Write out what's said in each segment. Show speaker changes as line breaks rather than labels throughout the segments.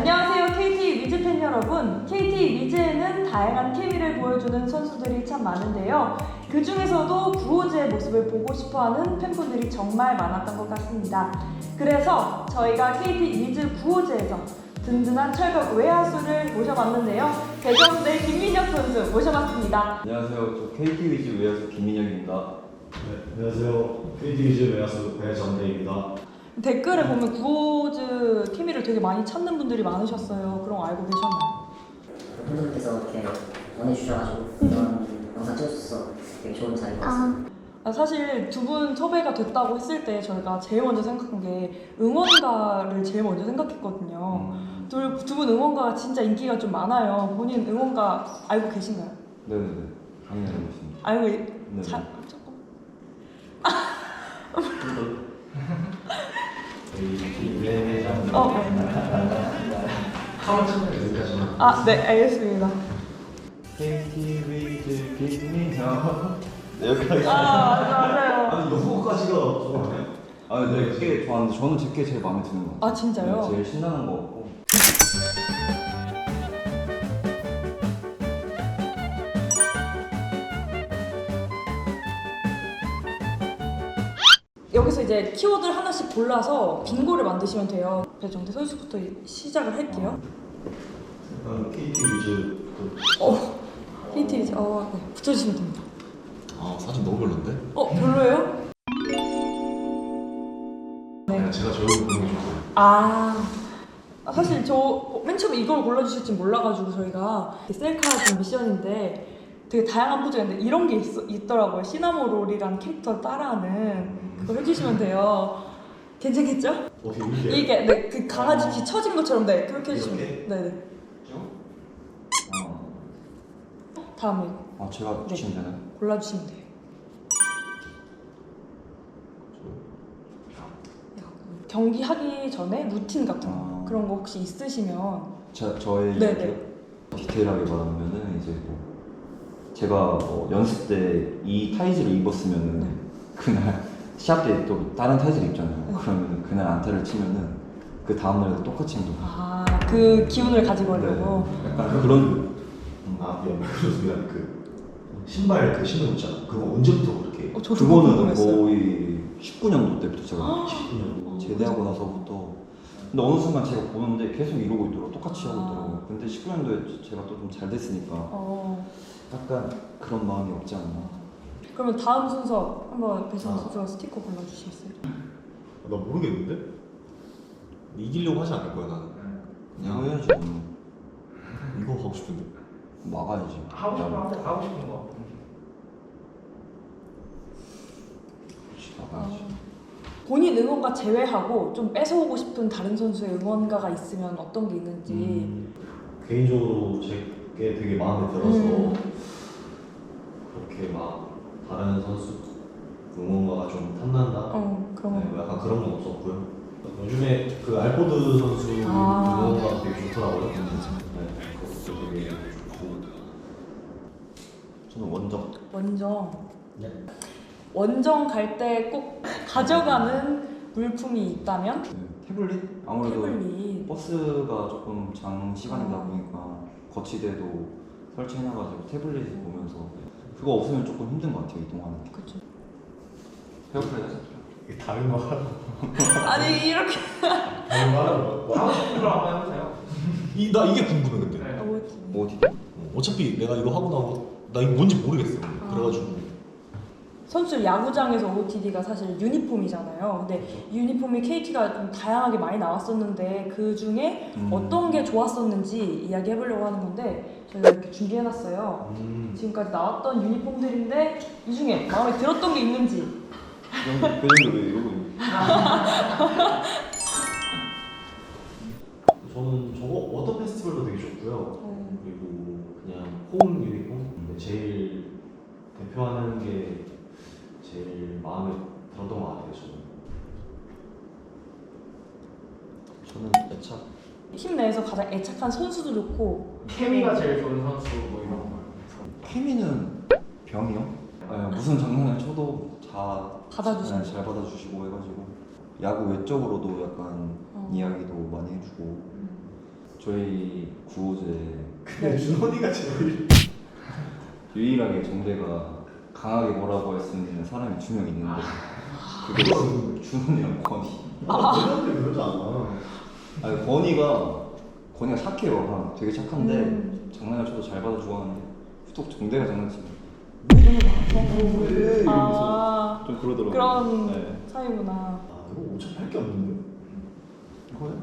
안녕하세요 KT 위즈 팬 여러분. KT 위즈에는 다양한 케미를 보여주는 선수들이 참 많은데요. 그 중에서도 구호즈의 모습을 보고 싶어하는 팬분들이 정말 많았던 것 같습니다. 그래서 저희가 KT 위즈 구호즈에서 든든한 철벽 외야수를 모셔봤는데요. 대전대 김민혁 선수 모셔봤습니다.
안녕하세요. 저 KT 위즈 외야수 김민혁입니다.
네, 안녕하세요. KT 위즈 외야수 배정대입니다.
댓글에 보면 구호즈 케미를 되게 많이 찾는 분들이 많으셨어요. 그런 거 알고 계셨나요?
팬분들께서 이렇게 원해주셔가지고 이런 영상 찍어줘서 되게 좋은 자리인 것 같습니다.
사실 두 분 섭외가 됐다고 했을 때 저희가 제일 먼저 생각한 게 응원가를 제일 먼저 생각했거든요. 두 분 응원가가 진짜 인기가 좀 많아요. 본인 응원가 알고 계신가요?
네네네. 당연히 알고 있습니다.
알고
네.
조금. 네, 알겠습니다.
KT 위즈 김민혁. 네, 여기까지.
맞아요.
아니 영어까지가 좋아하네.
네, 꽤 좋아하는데 저는 제게 제일 마음에 드는 것 같아요.
진짜요?
네, 제일 신나는 것 같고.
여기서 이제 키워드를 하나씩 골라서 빙고를 만드시면 돼요. 배정대 선수부터 시작을 할게요.
일단 KT 위즈
KT 위즈, 네, 붙여주시면 됩니다.
사진 너무 별론데?
별로예요?
네. 제가 저 얼굴 보는 게 좋아요.
사실 저 맨 처음에 이걸 골라주실지 몰라가지고 저희가 셀카 좀 미션인데 되게 다양한 포즈가 있는데 이런 게 있더라고요. 시나모롤이라는 캐릭터를 따라하는 그거 해주시면 돼요. 괜찮겠죠?
어떻게 이렇게?
이게 네, 그 강아지 귀 처진 것처럼 네 그렇게 해주시면 돼요.
이렇게?
네네. 다음에
제가
네.
주시면 되나요?
골라주시면 돼요. 경기 하기 전에 루틴 같은 거 그런 거 혹시 있으시면
저의
네네.
이야기요? 디테일하게 말하면은 이제 뭐 제가 연습 때 이 타이즈를 입었으면은
네.
그날 시합 때 또 다른 타이즈를 입잖아요.
네.
그러면 그날 안타를 치면은 그 다음 날에도 똑같이 행동해요.
그 기운을 가지고 하려고.
네. 약간 그런
그래서 미안 신발 그 신는 거 있잖아. 그거 언제부터 그렇게?
저도
그거는
궁금했어요.
거의 19년도 때부터 제가
19년.
제대하고 나서부터. 근데 어느 순간 제가 보는데 계속 이러고 있더라고. 똑같이 하고 있더라고요. 근데 19년도에 제가 또 좀 잘 됐으니까 약간 그런 마음이 없지 않나.
그러면 다음 순서 한번 배정 선수가 스티커 골라주시겠어요?
나 모르겠는데? 이기려고 하지 않을 거야 나는.
그냥 해야지.
이거 하고 싶은데.
막아야지.
하고 싶은 거.
그렇지, 막아야지.
본인 응원가 제외하고 좀 뺏어오고 싶은 다른 선수의 응원가가 있으면 어떤 게 있는지.
개인적으로 제게 되게 마음에 들어서 그렇게 막 다른 선수 응원가가 좀 탐난다.
그런 거.
네, 약간 그런 건 없었고요. 요즘에 그 알포드 선수 응원가가 되게 좋더라고요. 네, 그것도 되게 좋고.
저는 원정.
원정.
네.
원정 갈 때 꼭 가져가는 물품이 있다면?
태블릿? 아무래도
태블릿.
버스가 조금 장시간이다 보니까 거치대도 설치해놔가지고 태블릿을 보면서 그거 없으면 조금 힘든 것 같아요, 이동하는 게.
그쵸.
페어플레이 하죠.
이게 다른 거 하라고.
아니 이렇게.
다른 거 하라고.
하고 싶은 걸 한번 해보세요.
나 이게 궁금해 근데.
네.
뭐 어디?
어차피 내가 이거 하고 나고 나 이거 뭔지 모르겠어. 그래가지고
선수 야구장에서 OOTD가 사실 유니폼이잖아요. 근데 유니폼이 KT가 좀 다양하게 많이 나왔었는데 그 중에 어떤 게 좋았었는지 이야기해보려고 하는 건데 저희가 이렇게 준비해놨어요. 지금까지 나왔던 유니폼들인데 이 중에 마음에 들었던 게 있는지.
그 정도 왜 이러고 있는?
저는 저거 워터 페스티벌도 되게 좋고요. 그리고 그냥 홈 유니폼. 근데 제일 대표하는 게 제일 마음에 들었던 것 같아요.
저는 애착.
팀 내에서 가장 애착한 선수도 좋고
케미가 제일 좋은 선수 뭐 이런 거.
케미는 병이요? 네, 무슨 장난을 쳐도 다
받아주시고.
잘 받아주시고 해가지고 야구 외적으로도 약간 이야기도 많이 해주고 저희 구호제
근데 준원이가 제일
유일하게 정대가 강하게 뭐라고 할 수 있는 사람이 2명 있는데 그게 준원이랑 권희.
너한테 그러지 않아.
아니 권희가 착해요. 되게 착한데 장난을 쳐도 잘 받아주고 하는데 또 정대가 장난치면 왜 이러면서 좀 그러더라고요.
그런
네.
사이구나.
아 이거 어차피 할 게 없는데.
이거요?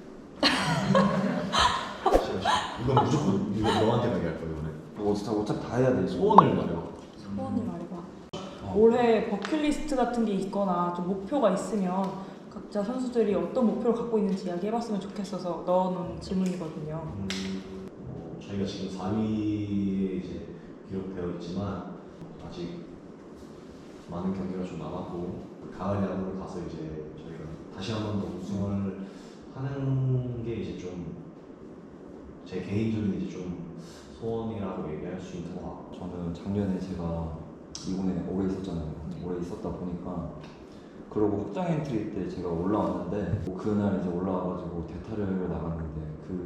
이건 무조건 이거 너한테 가게 할 거야 이번에.
뭐 어차피 다 해야 돼.
소원을 말해봐.
소원을 말해봐. 올해 버킷리스트 같은 게 있거나 좀 목표가 있으면 각자 선수들이 어떤 목표를 갖고 있는지 이야기해봤으면 좋겠어서 넣어놓은 질문이거든요.
저희가 지금 4위에 이제 기록되어 있지만 아직 많은 경기가 좀 남았고 가을 야구를 가서 이제 저희가 다시 한 번 더 우승을 하는 게 이제 좀 제 개인적인 이제 좀 소원이라고 얘기할 수 있는 것 같고.
저는 작년에 제가 2군에 오래 있었잖아요. 오래 있었다 보니까 그러고 확장 엔트리 때 제가 올라왔는데 그날 이제 올라와가지고 대타를 나갔는데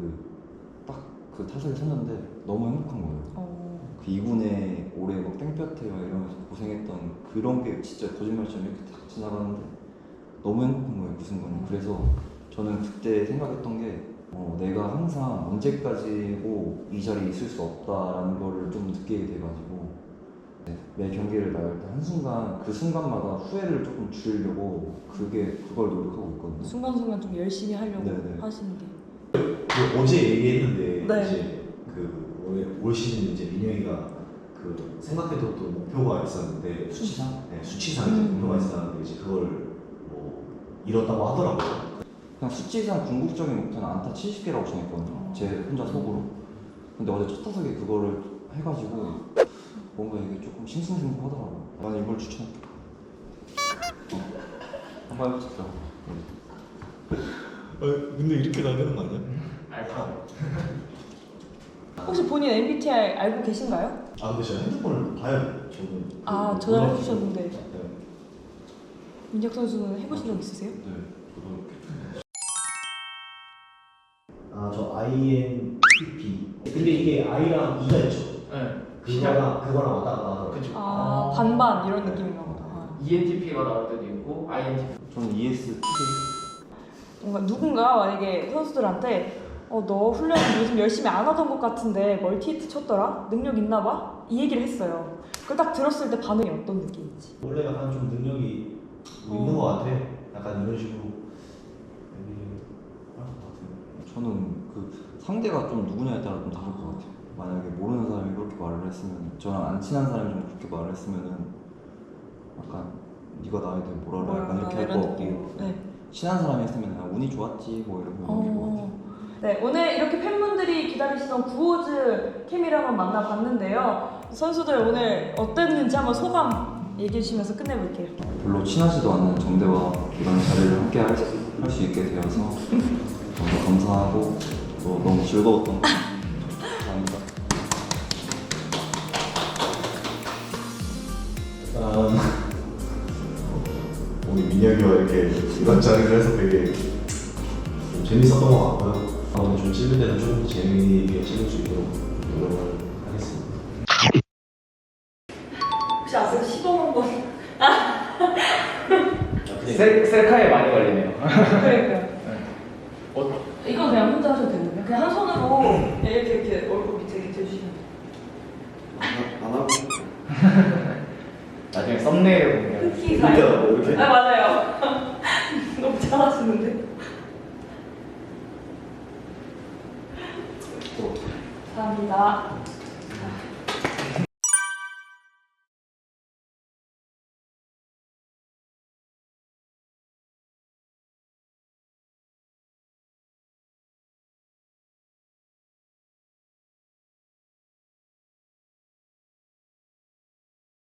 그 타석에 섰는데 너무 행복한 거예요. 그 2군에 올해 막 땡볕에요 이러면서 고생했던 그런 게 진짜 거짓말처럼 이렇게 탁 지나가는데 너무 행복한 거예요 그 순간에. 그래서 저는 그때 생각했던 게 내가 항상 언제까지고 이 자리에 있을 수 없다라는 거를 좀 느끼게 돼가지고 매 경기를 나갈 때 한순간 그 순간마다 후회를 조금 줄이려고 그걸 노력하고 있거든요.
순간순간 좀 열심히 하려고
네네.
하시는 게.
그 어제 얘기했는데
네.
이제 올 시즌 이제 민영이가 그 생각해뒀던 목표가 있었는데
수치상?
네, 수치상 이제 목표가 있었는데 이제 그걸 뭐 이뤘다고 하더라고요.
그냥 수치상 궁극적인 목표는 안타 70개라고 정했거든요. 제 혼자 속으로. 근데 어제 첫 타석에 그거를 해가지고 뭔가 이게 조금 싱숭생숭하더라고요. 나는 이걸 추천할게. 한번 해보자.
근데 이렇게 가야 되는 거 아니야?
알죠.
혹시 본인 MBTI 알고 계신가요?
아 근데 제가 핸드폰을 봐야 돼요. 저는
아 전화해주셨는데
네.
민혁 선수는 해보신 적 있으세요?
네. 저 INTP. 근데 이게 I랑 E가 있죠.
네.
그거랑 왔다 갔다 하더라고요.
그쵸.
아 반반 이런 느낌인가 보다.
ENTP가 나올 때도 있고 INTP.
저는 ESTJ.
뭔가 누군가 만약에 선수들한테 너 훈련 요즘 열심히 안 하던 것 같은데 멀티히트 쳤더라? 능력 있나 봐? 이 얘기를 했어요. 그걸 딱 들었을 때 반응이 어떤 느낌인지.
원래 약간 좀 능력이 있는 것 같아. 약간 이런 식으로 얘기할 것 같아요.
저는 그 상대가 좀 누구냐에 따라 좀 다를 것 같아요. 만약에 모르는 사람이 그렇게 말을 했으면, 저랑 안 친한 사람이 좀 그렇게 말을 했으면은 약간 네가 나에 대해 뭘 알아? 약간 이렇게 할 것 같고,
네.
친한 사람이 했으면 운이 좋았지 뭐 이러면 넘길 것 같아요.
네, 오늘 이렇게 팬분들이 기다리시던 구호즈 케미를 한번 만나봤는데요. 선수들 오늘 어땠는지 한번 소감 얘기해 주시면서 끝내볼게요.
별로 친하지도 않는 정대와 이런 자리를 함께 할 수 있게 되어서 너무 감사하고 또 너무 즐거웠던 것 같아요. 감사합니다.
오늘 민혁이와 이렇게 이런 자리를 해서 되게 좀 재밌었던 것 같고요. 다음에 좀 찍을 때는 좀 더 재미있게 찍을 수 있도록 노력을 하겠습니다.
혹시 아세요? 시범 한번.
셀카에 많이 걸리네요.
그러니까요. 이건 그냥 혼자 하셔도 되거든요. 그냥 한 손으로 이렇게 얼굴 밑에 대주시면 돼요.
안 하고
나중에 썸네일 보면
흑기
이렇게 하라고, 이렇게?
아 맞아요. 너무 잘하시는데. 감사합니다.